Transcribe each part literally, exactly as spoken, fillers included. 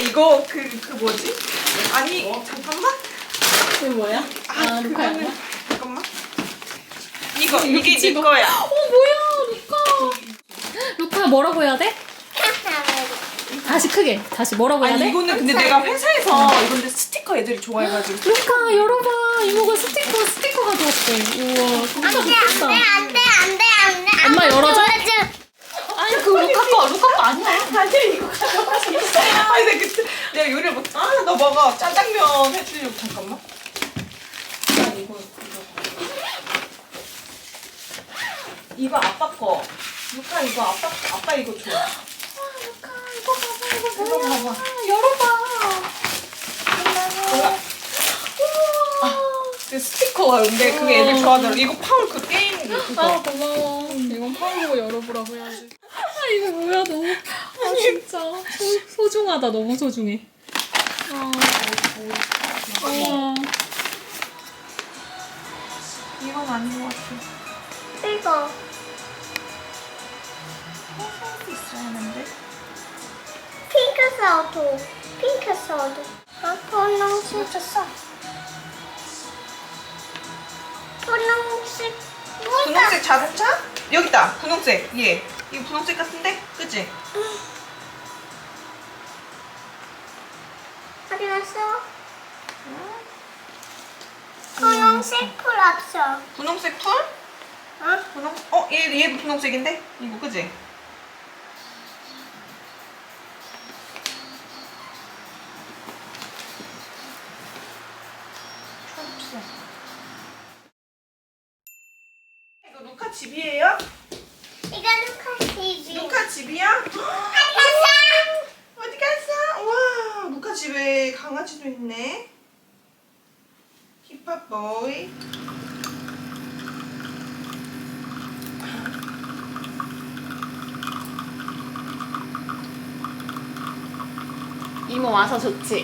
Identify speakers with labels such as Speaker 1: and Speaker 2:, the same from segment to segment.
Speaker 1: 이거 그 그 뭐지? 아니 어? 잠깐만.
Speaker 2: 이게 뭐야?
Speaker 1: 아,
Speaker 2: 아, 루카야?
Speaker 1: 그거는- 잠깐만. 이거 이게 네 거야.
Speaker 2: 어, 뭐야, 루카. 루카 뭐라고 해야 돼? 다시 크게. 다시 뭐라고 해야
Speaker 1: 아니
Speaker 2: 돼?
Speaker 1: 이거는 근데 내가 회사에서 이건데 스티커 애들이 좋아해가지고.
Speaker 2: 루카, 열어봐. 이모가 스티커, 스티커 가져왔대. 우와, 진짜 좋겠다.
Speaker 3: 안돼 안돼 안돼.
Speaker 2: 엄마 열어줘? 아니, 그거 루카 거, 루카 거 아니야.
Speaker 1: 아니 이거 가져가서 있어요. 아니 내가 그때 내가 요리를 못. 아너 먹어. 짜장면 해주려고 잠깐만. 아, 이거 이거 이거 아빠 거. 루카 이거 아빠 아빠 이거 줘.
Speaker 2: 루카, 이거 봐봐, 이거
Speaker 1: 이거
Speaker 2: 뭐야.
Speaker 1: 봐봐.
Speaker 2: 열어봐.
Speaker 1: 뭐야? 그 스티커가 근데 그게 애들 좋아하더라. 이거 파울 그 게임 그거.
Speaker 2: 아, 고마워. 이건 파울 보고 열어보라고 해야지. 아, 이거 뭐야, 너무. 아, 진짜. 소, 소중하다, 너무 소중해. 아, 아.
Speaker 1: 이건 아닌 것 같아.
Speaker 3: 이거
Speaker 1: 할수 있어야 하는데.
Speaker 3: 핑크 소드 핑크 소드. 아 분홍색
Speaker 1: 쳤어.
Speaker 3: 분홍색 뭐가?
Speaker 1: 분홍색 자동차? 여기다. 분홍색. 얘. 이거 분홍색 같은데? 그치?
Speaker 3: 어디 갔어? 분홍색 풀 없어.
Speaker 1: 분홍색 풀?
Speaker 3: 어?
Speaker 1: 분홍? 어? 얘, 얘도 분홍색인데? 이거 그치? 초록색. 이거 루카 집이에요?
Speaker 3: 이거 루카 티비.
Speaker 1: 루카 집이야? 어디 갔어? 와, 루카 집에 강아지도 있네. 힙합 보이.
Speaker 2: 이모 와서 좋지?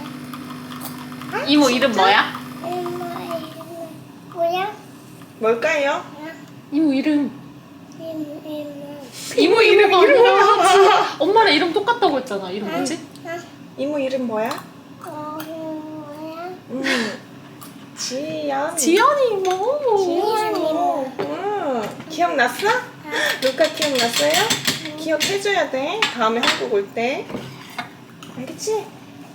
Speaker 2: 이모 이름 뭐야?
Speaker 3: 엄마 이름 뭐야?
Speaker 1: 뭘까요?
Speaker 2: 이모 이름.
Speaker 3: 이름 이름.
Speaker 2: 이모 이름 아니야. 엄마랑 이름 똑같다고 했잖아. 이름 뭐지?
Speaker 1: 이모 이름 뭐야?
Speaker 3: 어 뭐야?
Speaker 1: 음, 지연.
Speaker 2: 지연이 이모.
Speaker 3: 지연 이모.
Speaker 1: 음, 기억났어? 루카 기억났어요? 기억해줘야 돼. 다음에 한국 올 때. 알겠지?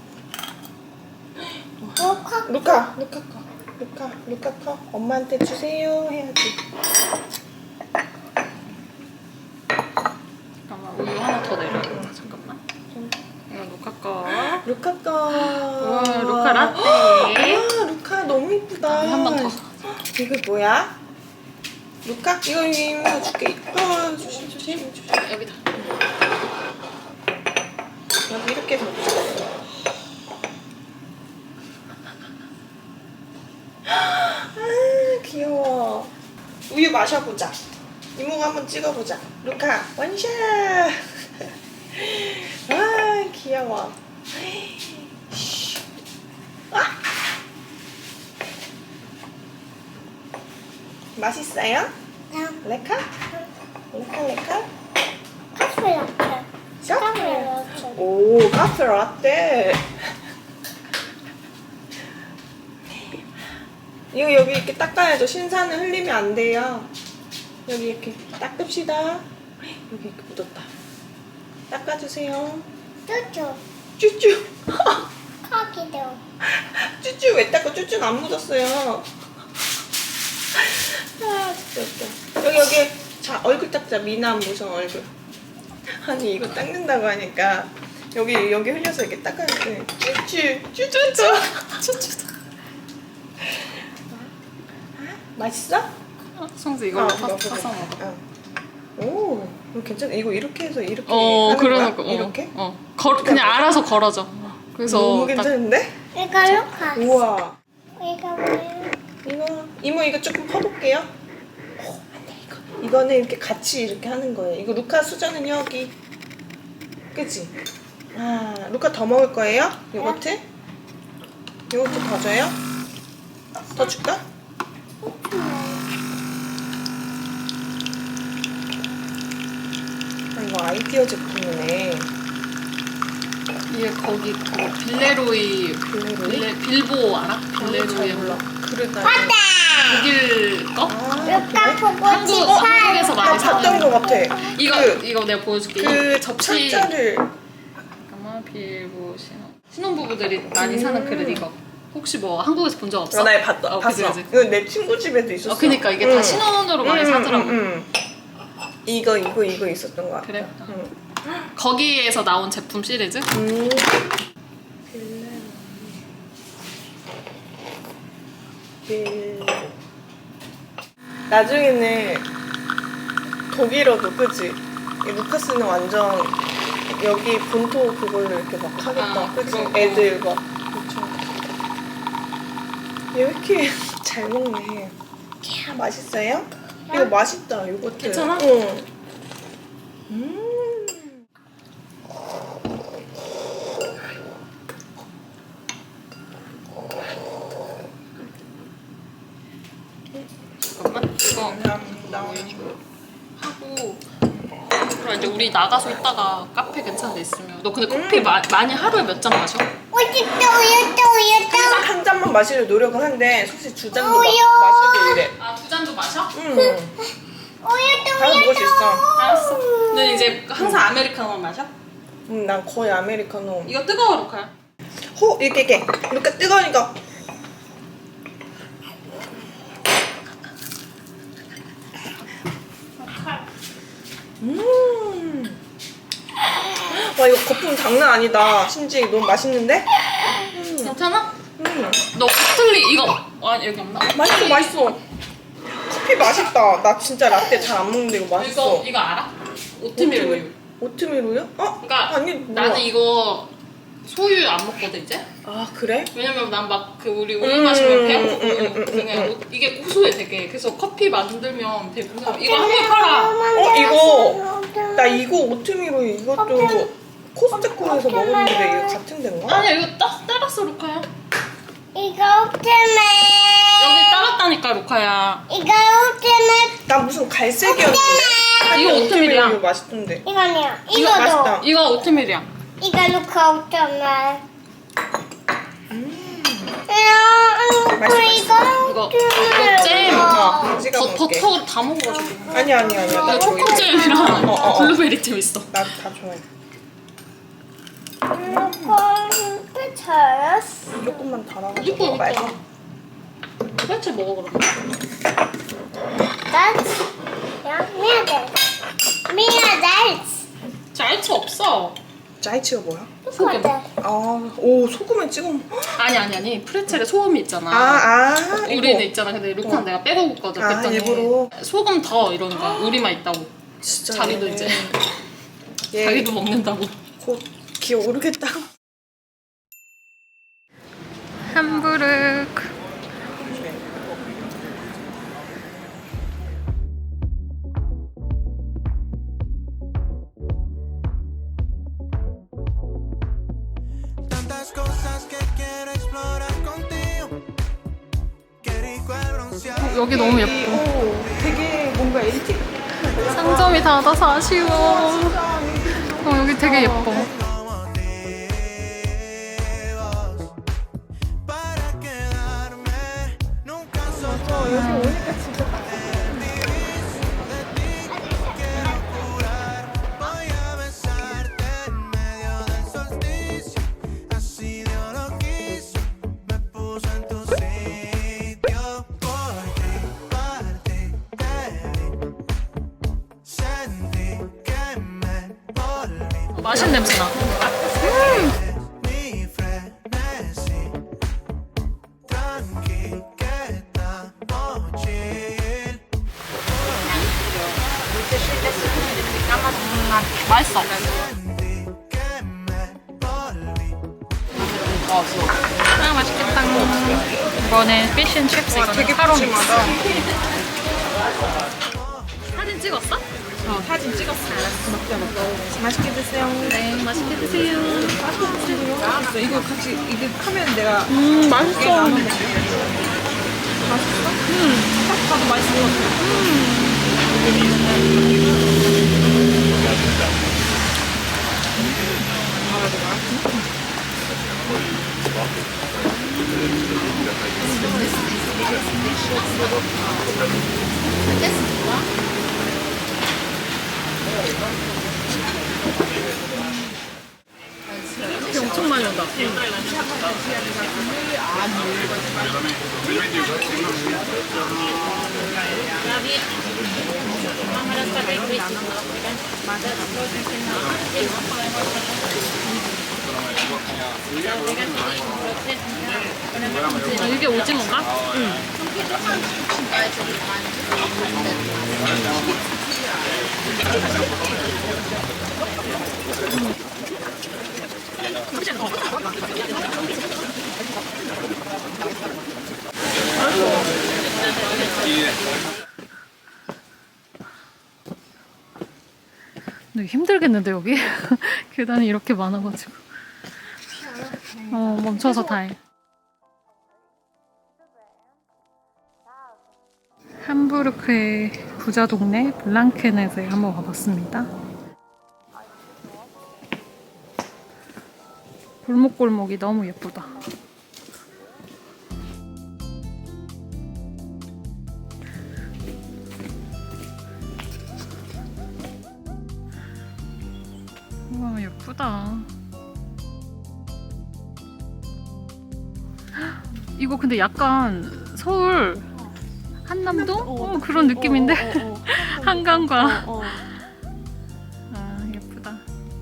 Speaker 3: 루카
Speaker 1: 루카, 루카 거. 루카, 루카 거. 엄마한테 주세요. 해야지.
Speaker 2: 잠깐만, 우유 하나 더 내려야 돼. 잠깐만. 이거 루카 거.
Speaker 1: 루카 거.
Speaker 2: 우와, 루카 라떼.
Speaker 1: 아, 루카 너무 이쁘다.
Speaker 2: 한 번 더.
Speaker 1: 이거 뭐야? 루카? 이거 이거 줄게. 어, 조심, 조심, 조심.
Speaker 2: 여기다.
Speaker 1: 여기 이렇게 덮자. 아, 귀여워. 우유 마셔보자. 이모가 한번 찍어보자. 루카, 원샷! 아, 귀여워. 아! 맛있어요? 레카? 레카, 레카?
Speaker 3: 카페 라떼. 카페 라떼.
Speaker 1: 오, 카페 라떼. 이거 여기 이렇게 닦아야죠. 신사는 흘리면 안 돼요. 여기 이렇게 닦읍시다. 여기 이렇게 묻었다. 닦아주세요.
Speaker 3: 쭈쭈.
Speaker 1: 쭈쭈.
Speaker 3: 카기도.
Speaker 1: 쭈쭈 왜 닦아? 쭈쭈는 안 묻었어요. 아, 진짜 웃겨. 여기, 여기. 자, 얼굴 닦자. 미남 무성 얼굴. 아니, 이거 닦는다고 하니까 여기, 여기 흘려서 이렇게 닦아야 돼. 쭈쭈. 쭈쭈쭈. 쭈쭈. 맛있어?
Speaker 2: 성수 이걸로
Speaker 1: 어,
Speaker 2: 파-
Speaker 1: 먹어,
Speaker 2: 파서
Speaker 1: 먹어.
Speaker 2: 먹어.
Speaker 1: 어. 오, 이거 괜찮아. 이거 이렇게 해서 이렇게
Speaker 2: 어,
Speaker 1: 하는
Speaker 2: 그러니까.
Speaker 1: 거야? 이렇게?
Speaker 2: 어. 어. 걸, 그냥 알아서 걸어줘. 그래서
Speaker 1: 너무
Speaker 2: 딱
Speaker 1: 괜찮은데?
Speaker 3: 이거 루카.
Speaker 1: 우와.
Speaker 3: 이거 뭐야?
Speaker 1: 이거 이모 이거 조금 퍼볼게요. 오, 안돼 이거. 이거는 이렇게 같이 이렇게 하는 거예요. 이거 루카 수저는 여기. 그치? 아, 루카 더 먹을 거예요? 요거트? 요거트 더 줘요? 더 줄까? 아, 이거 아이디어 제품이네.
Speaker 2: 이게 거기 그 빌레로이
Speaker 1: 빌레로이?
Speaker 2: 빌레, 빌보 알아? 빌레로이
Speaker 1: 몰라. 그래 나
Speaker 3: 맞다.
Speaker 2: 독일 거?
Speaker 1: 아,
Speaker 3: 루카 보고
Speaker 2: 한국,
Speaker 3: 싶어.
Speaker 2: 한국에서
Speaker 1: 나
Speaker 2: 많이
Speaker 1: 봤던
Speaker 2: 사는
Speaker 1: 거 같아.
Speaker 2: 이거
Speaker 1: 그,
Speaker 2: 이거 내가 보여줄게.
Speaker 1: 그
Speaker 2: 이 접시
Speaker 1: 철자를
Speaker 2: 잠깐만 빌보 신혼 신혼부부들이 많이 사는 그릇 이거 혹시 뭐 한국에서 본 적 없어?
Speaker 1: 어, 나 봤다.
Speaker 2: 어,
Speaker 1: 봤어.
Speaker 2: 그치, 그치.
Speaker 1: 이거 내 친구 집에도 있었어.
Speaker 2: 어, 그니까 이게
Speaker 1: 응.
Speaker 2: 다 신혼으로 많이
Speaker 1: 응,
Speaker 2: 사더라고.
Speaker 1: 응, 응. 이거 이거 이거 있었던 거 같아.
Speaker 2: 그래?
Speaker 1: 응.
Speaker 2: 거기에서 나온 제품 시리즈?
Speaker 1: 음. 빌- 나중에는 독일어도 그지? 이 루카스는 완전 여기 본토 그걸로 이렇게 막 하겠다.
Speaker 2: 아,
Speaker 1: 그지?
Speaker 2: 그거.
Speaker 1: 애들 막. 얘 왜 이렇게 잘 먹네. 캬, 맛있어요? 이거 맛있다. 요거트.
Speaker 2: 괜찮아?
Speaker 1: 응. 음.
Speaker 2: 잠깐만 이거
Speaker 1: 감사합니다.
Speaker 2: 하고 그럼 이제 우리 나가서 있다가 카페 괜찮은 데 있으면 너 근데 커피
Speaker 1: 음.
Speaker 2: 마, 많이 하루에 몇 잔 마셔?
Speaker 3: 우유도 우유도 우유도.
Speaker 1: 항상 한 잔만 마시려 노력을 하는데 솔직히 두 잔도 마,
Speaker 3: 우유.
Speaker 1: 마시고 이래.
Speaker 2: 아 두 잔도 마셔?
Speaker 1: 응.
Speaker 3: 우유도
Speaker 1: 다 먹을 수 있어.
Speaker 2: 알았어. 근데 이제 항상 아메리카노만 마셔?
Speaker 1: 응, 난 거의 아메리카노.
Speaker 2: 이거 뜨거워 루카야.
Speaker 1: 호 이렇게 이렇게 이렇게 뜨거우니까. 음. 와 이거 거품 장난 아니다. 신지 너무 맛있는데?
Speaker 2: 괜찮아?
Speaker 1: 음.
Speaker 2: 너 코틀리 이거 아 여기 없나?
Speaker 1: 맛있어 맛있어. 커피 맛있다. 나 진짜 라떼 잘 안 먹는데 이거 맛있어.
Speaker 2: 이거 이거 알아? 오트밀 우유.
Speaker 1: 오트밀 우유? 어?
Speaker 2: 그러니까
Speaker 1: 아니 뭐야.
Speaker 2: 나는 이거 소유 안 먹거든 이제.
Speaker 1: 아 그래?
Speaker 2: 왜냐면 난 막 그 우리 우유
Speaker 1: 음,
Speaker 2: 마시면 배고프고
Speaker 1: 음, 음, 음,
Speaker 2: 그냥
Speaker 1: 음.
Speaker 2: 오- 이게 고소해 되게. 그래서 커피 만들면 되게 고소. 이거 한국에 팔아.
Speaker 1: 어 이거 나 이거 오트밀 우유 이것도 코스트코에서 먹었는데 이거 같은 데인가?
Speaker 2: 아니야 이거 따, 따랐어 루카야.
Speaker 3: 이거 오트밀.
Speaker 2: 여기 따랐다니까 루카야.
Speaker 3: 이거 오트밀.
Speaker 1: 나 무슨 갈색이었는데?
Speaker 2: 이거
Speaker 1: 오트밀
Speaker 2: 오트밀이야.
Speaker 1: 우유 맛있던데.
Speaker 3: 이거요.
Speaker 1: 이거
Speaker 3: 이거도.
Speaker 1: 맛있다.
Speaker 2: 이거 오트밀이야.
Speaker 3: 이거 루카 오트밀.
Speaker 1: 음.
Speaker 3: 이거
Speaker 1: 맛있어,
Speaker 2: 이거 이거 잼.
Speaker 1: 어, 찍어
Speaker 2: 버,
Speaker 1: 먹을게.
Speaker 2: 버터 다 먹어가지고.
Speaker 1: 아니 아니 아니야. 나
Speaker 2: 나
Speaker 1: 저거
Speaker 2: 초코잼이랑
Speaker 1: 어, 어, 어.
Speaker 2: 블루베리 잼 있어.
Speaker 1: 나다 좋아해.
Speaker 3: 루카 잘했어.
Speaker 1: 조금만 달아가지고
Speaker 2: 이거
Speaker 1: 먹어봐야지.
Speaker 2: 이거. 도대체 먹어 그러면.
Speaker 3: That's ja, mehr Salz. Mehr Salz.
Speaker 2: 잘치 없어.
Speaker 1: 짜이치가 뭐야?
Speaker 2: 소금.
Speaker 1: 아, 오 소금에 찍어. 먹-
Speaker 2: 아니 아니 아니 프레첼에 소금이 있잖아.
Speaker 1: 아, 아.
Speaker 2: 우리는
Speaker 1: 이거.
Speaker 2: 있잖아. 근데 루카는 내가 빼고 먹거든.
Speaker 1: 아,
Speaker 2: 그랬더니
Speaker 1: 일부러?
Speaker 2: 소금 더 이러는 거야. 우리만 있다고.
Speaker 1: 진짜.
Speaker 2: 자기도 이제
Speaker 1: 얘
Speaker 2: 자기도 먹는다고.
Speaker 1: 곧 기어 오르겠다.
Speaker 2: 함부르크.
Speaker 4: Tantas cosas que quiero explorar contigo. Qué rico el bronceado.
Speaker 2: 여기 너무 예뻐.
Speaker 1: 오, 되게 뭔가 엘틱.
Speaker 2: 상점이 닫아서 아쉬워. 어, 여기 되게 예뻐.
Speaker 4: Motivos para quedarme. Nunca soy
Speaker 1: 여기 오니까 진짜 딱.
Speaker 4: Voy a besarte en medio del solsticio. Así Dios lo quiso. Me puso en tu sitio. Por ti, para ti, te vi. Sentí que me volví.
Speaker 2: 맛있는 냄새 나.
Speaker 4: Mi frenesí. Tranqui, que estamos chill.
Speaker 2: 맛있어.
Speaker 4: Sentí que me volví.
Speaker 2: 아 맛있겠다. 이거는 피쉬 칩스. 이거는
Speaker 1: 되게
Speaker 2: 타로
Speaker 1: 푸짐하다.
Speaker 2: 사진 찍었어? 어 사진 찍었어.
Speaker 1: 맛있게 드세요.
Speaker 2: 네 맛있게 드세요.
Speaker 1: 맛있어. 이거 같이 이게 하면 내가
Speaker 2: 음 맛있어.
Speaker 1: 나눠 먹을게. 맛있어? 음. 딱 봐도 맛있을 것 같아. 음.
Speaker 2: 비 엄청 많이 온다. 아, 이게 오징어인가? 응. 근데 힘들겠는데 여기? 계단이 이렇게 많아가지고. 어, 멈춰서 다행. 함부르크의 부자 동네 블랑케넷에 한번 와봤습니다. 골목골목이 너무 예쁘다. 우와, 예쁘다. 이거 근데 약간 서울 한남동? 어, 그런 느낌인데? 한강과. 아, 예쁘다.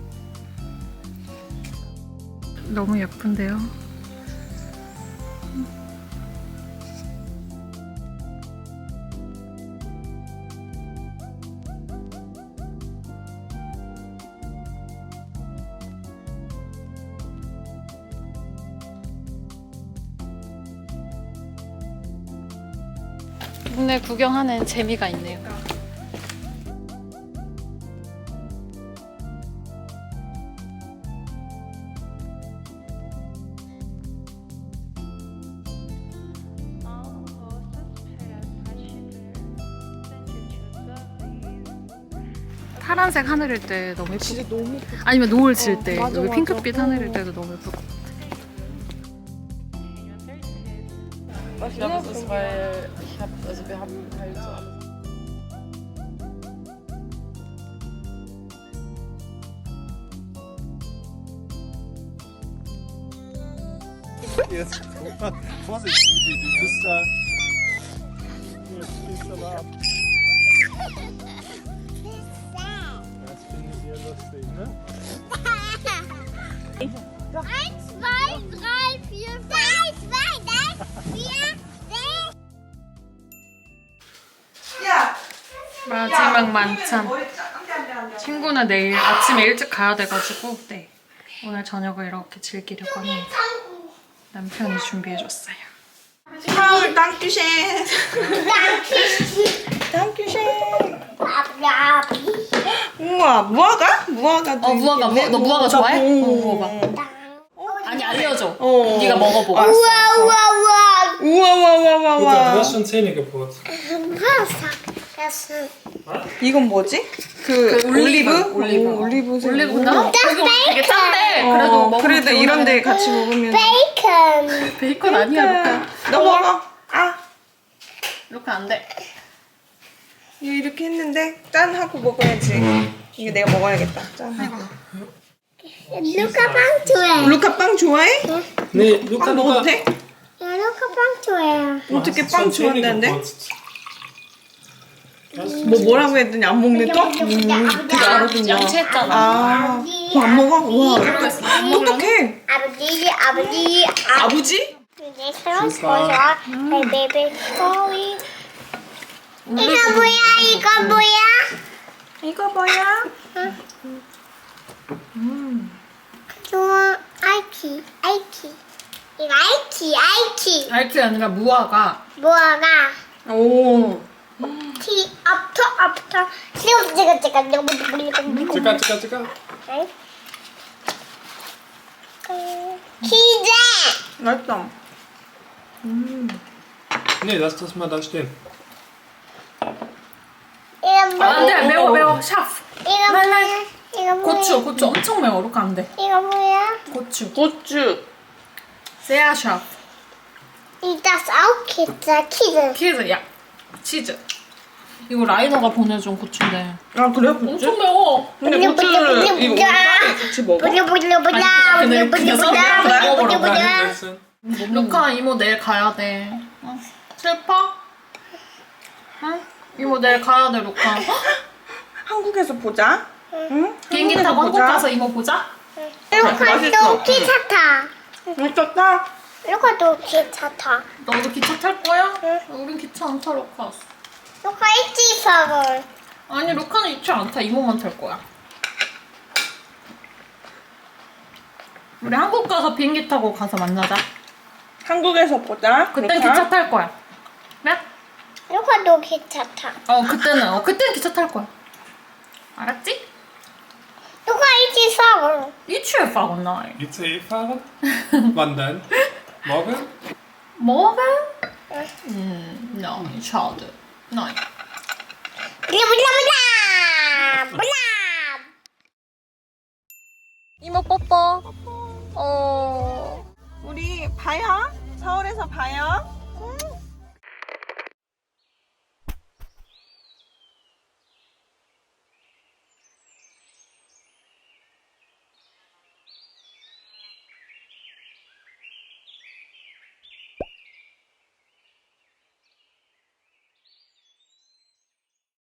Speaker 2: 너무 예쁜데요? 동네 구경하는 재미가 있네요. 파란색 하늘일 때 너무 예쁘고,
Speaker 1: 진짜 너무
Speaker 2: 아니면 노을 질 때,
Speaker 1: 어, 맞아,
Speaker 2: 여기
Speaker 1: 맞아.
Speaker 2: 핑크빛
Speaker 1: 어.
Speaker 2: 하늘일 때도 너무 예쁠 것 같아.
Speaker 5: Ich glaube, es ist, weil ich habe, also wir haben halt so alles.
Speaker 6: Jetzt, guck mal, Vorsicht, du bist da. Jetzt fließt aber ab. Das finde ich sehr lustig, ne?
Speaker 3: Eins, zwei, drei, vier, fünf. Eins, zwei, drei, vier, sechs.
Speaker 1: 야!
Speaker 2: 마지막 만찬.
Speaker 1: 머리 짜- 안 돼, 안 돼, 안 돼.
Speaker 2: 친구는 내일 아침에 일찍 가야 돼가지고, 네. 오늘 저녁을 이렇게 즐기려고 합니다. 남편이 준비해줬어요.
Speaker 1: 파울 땅큐쉔. 땅큐쉔. 우와, 무화과? 무화과도
Speaker 2: 어, 무화과.
Speaker 1: 있겠네.
Speaker 2: 너 무화과 좋아해?
Speaker 1: 오.
Speaker 2: 어, 먹어봐. 아니, 알려줘.
Speaker 1: 어.
Speaker 2: 네가 먹어보고.
Speaker 3: 우와, 우와, 우와.
Speaker 1: 우와, 우와, 우와, 우와,
Speaker 6: Luca, du
Speaker 1: 우와.
Speaker 6: hast schon Zähne geputzt.
Speaker 3: Das ist
Speaker 1: 이건 뭐지? 그,
Speaker 2: 그 올리브?
Speaker 1: 올리브?
Speaker 2: 올리브.
Speaker 1: 오, 올리브색.
Speaker 2: 올리브나? 이거 되게 짠데.
Speaker 1: 어,
Speaker 2: 그래도 먹으면
Speaker 1: 그래도
Speaker 2: 좋은
Speaker 1: 이런 데
Speaker 2: 거니까.
Speaker 1: 같이 먹으면.
Speaker 3: Bacon.
Speaker 2: 베이컨 아니야, 루카.
Speaker 1: 너 먹어. 아,
Speaker 2: 루카 안 돼.
Speaker 1: 이거 이렇게 했는데 짠 하고 먹어야지. 이거 내가 먹어야겠다. 짠 하고.
Speaker 3: Luca 빵 좋아해.
Speaker 1: 루카 빵 좋아해?
Speaker 6: Nee, Luca,
Speaker 1: 빵 먹어도
Speaker 6: Luca.
Speaker 1: 돼?
Speaker 3: 야, 루카 빵 좋아해.
Speaker 6: Du
Speaker 1: 어떻게
Speaker 6: hast
Speaker 1: 빵
Speaker 6: schon Zähne
Speaker 1: 좋아한다는데?
Speaker 6: geputzt.
Speaker 1: 뭐 뭐라고 했더니 안 먹네 또? 음, 되게 알아듣냐.
Speaker 2: 양치했잖아.
Speaker 1: 아, 그거 안 먹어? 와, 똑똑해.
Speaker 3: 아버지, 아버지,
Speaker 1: 아버지?
Speaker 3: 내 사랑 보여. 내 베이비 스토리. 이거 뭐야? 이거 뭐야?
Speaker 1: 이거 뭐야?
Speaker 3: 좋아. 아이키, 아이키. 이거 아이키, 아이키.
Speaker 2: 알게 아니라 무화과.
Speaker 3: 뭐가?
Speaker 1: 오.
Speaker 3: 티, 앞터, 앞터. 지금, 지금, 지금, 지금, 지금, 지금.
Speaker 6: Zucker, Zucker, Zucker.
Speaker 3: 기재.
Speaker 1: 맛있다.
Speaker 6: Nee, lass das mal da stehen.
Speaker 3: 이건 뭐야?
Speaker 2: 안 돼, 매워, 매워. 샤프.
Speaker 3: 이건 뭐야? 이건 이거 뭐야?
Speaker 2: 고추 고추 엄청 매워. 루카 안 돼.
Speaker 3: 이거 뭐야?
Speaker 2: 고추.
Speaker 1: 고추.
Speaker 2: 세아샵.
Speaker 3: 이따 싸우겠다 키즈.
Speaker 2: 키즈 야 치즈. 이거 라이너가 보내준 고추인데
Speaker 1: 아 그래 고추?
Speaker 2: 엄청 매워.
Speaker 1: 근데
Speaker 3: 뿌려,
Speaker 1: 고추를
Speaker 3: 뿌려, 뿌려,
Speaker 1: 이거
Speaker 3: 뿌려.
Speaker 1: 우리랑 같이 먹어?
Speaker 3: 보자 보자 보자
Speaker 2: 아니, 그냥-
Speaker 3: 보자
Speaker 2: 그냥
Speaker 3: 보자
Speaker 2: 그냥
Speaker 3: 보자
Speaker 2: 먹어보라고.
Speaker 3: 보자 보자.
Speaker 2: 루카 이모 내일 가야 돼. 어? 슬퍼? 응? 이모 내일 가야 돼 루카.
Speaker 1: 한국에서 보자. 응?
Speaker 2: 비행기
Speaker 1: 한국에서
Speaker 2: 타고 한국
Speaker 1: 보자.
Speaker 2: 가서 이모 보자.
Speaker 3: 루카도
Speaker 1: 맛있어.
Speaker 3: 기차 타.
Speaker 1: 미쳤다.
Speaker 3: 루카도 기차 타.
Speaker 2: 너도 기차 탈 거야? 우린 기차 안 타 루카.
Speaker 3: 루카 일찍 사걸.
Speaker 2: 아니 루카는 기차 안 타. 이모만 탈 거야. 우리 한국 가서 비행기 타고 가서 만나자.
Speaker 1: 한국에서 보자.
Speaker 2: 그땐
Speaker 1: 루카.
Speaker 2: 기차 탈 거야. 그래?
Speaker 3: 루카도 기차 타.
Speaker 2: 어 그때는 어 그때는 기차 탈 거야. 알았지?
Speaker 3: 루카 일찍 사걸.
Speaker 2: 이치에 fahren nein.
Speaker 6: I C fahren? Wann denn? Morgen?
Speaker 2: Morgen? Hm, nein, schade. Nein.
Speaker 3: 보자 보자 보자 보자.
Speaker 2: 이모 뽀뽀. 어.
Speaker 1: 우리 봐요. 서울에서 봐요.